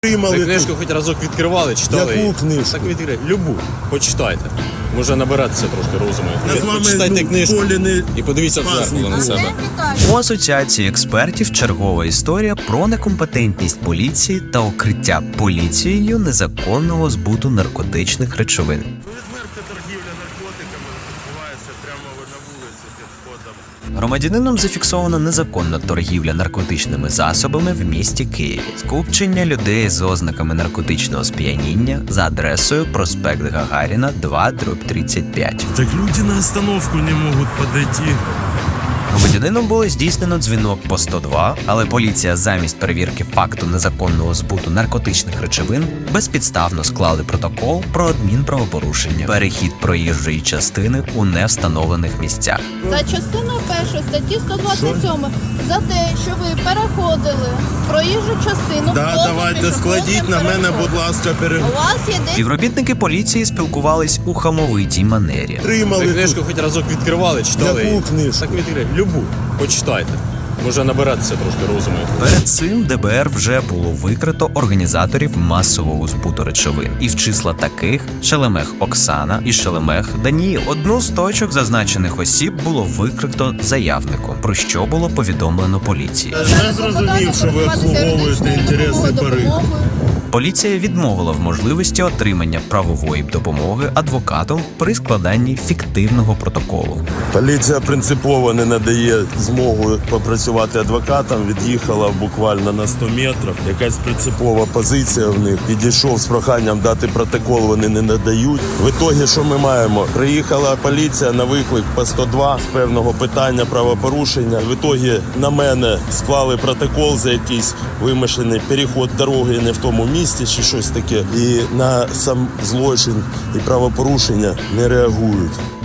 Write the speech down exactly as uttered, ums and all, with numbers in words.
Ви книжку хоч разок відкривали, читали? Яку книжку? Так відкрийте. Любу. Почитайте. Може набиратися трошки розуму. Я з вами, Почитайте ну, книжку полі не і подивіться в зеркало на себе. У асоціації експертів чергова історія про некомпетентність поліції та укриття поліцією незаконного збуту наркотичних речовин. Відверта торгівля наркотиками відбувається прямо на вулиці під входом. Громадянином зафіксована незаконна торгівля наркотичними засобами в місті Києві. Скупчення людей з ознаками наркотичного сп'яніння за адресою проспект Гагаріна, два дріб тридцять п'ять. Так люди на остановку не можуть підійти. Громадянином було здійснено дзвінок по сто два, але поліція замість перевірки факту незаконного збуту наркотичних речовин безпідставно склали протокол про адмінправопорушення, перехід проїжджої частини у невстановлених місцях. За частиною першої статті сто двадцять сім за те, що ви переходили проїжджу частину. Да, поза давайте складіть пішохідним на мене, переходом. будь ласка, пере... У вас є десь Співробітники поліції спілкувались у хамовитій манері. Ви Тримали книжку хоч разок відкривали, читали? Яку книжку? Так відкрийте. Любу. Почитайте. Може набиратися трошки розуму. Перед цим ДБР вже було викрито організаторів масового збуту речовин. І в числа таких Шелемех Оксана і Шелемех Даніїл. Одну з точок зазначених осіб було викрито заявником, про що було повідомлено поліції. Я зрозумів, що ви обслуговуєте інтереси пари. Поліція відмовила в можливості отримання правової допомоги адвокатом при складанні фіктивного протоколу. Поліція принципово не надає змогу попрацювати адвокатам, від'їхала буквально на сто метрів. Якась принципова позиція в них. Підійшов з проханням дати протокол, вони не надають. В ітогі, що ми маємо? Приїхала поліція на виклик по сто два з певного питання правопорушення. В ітогі на мене склали протокол за якийсь вимишлений переход дороги не в тому місці чи щось таке. І на сам злочин і правопорушення не реагують.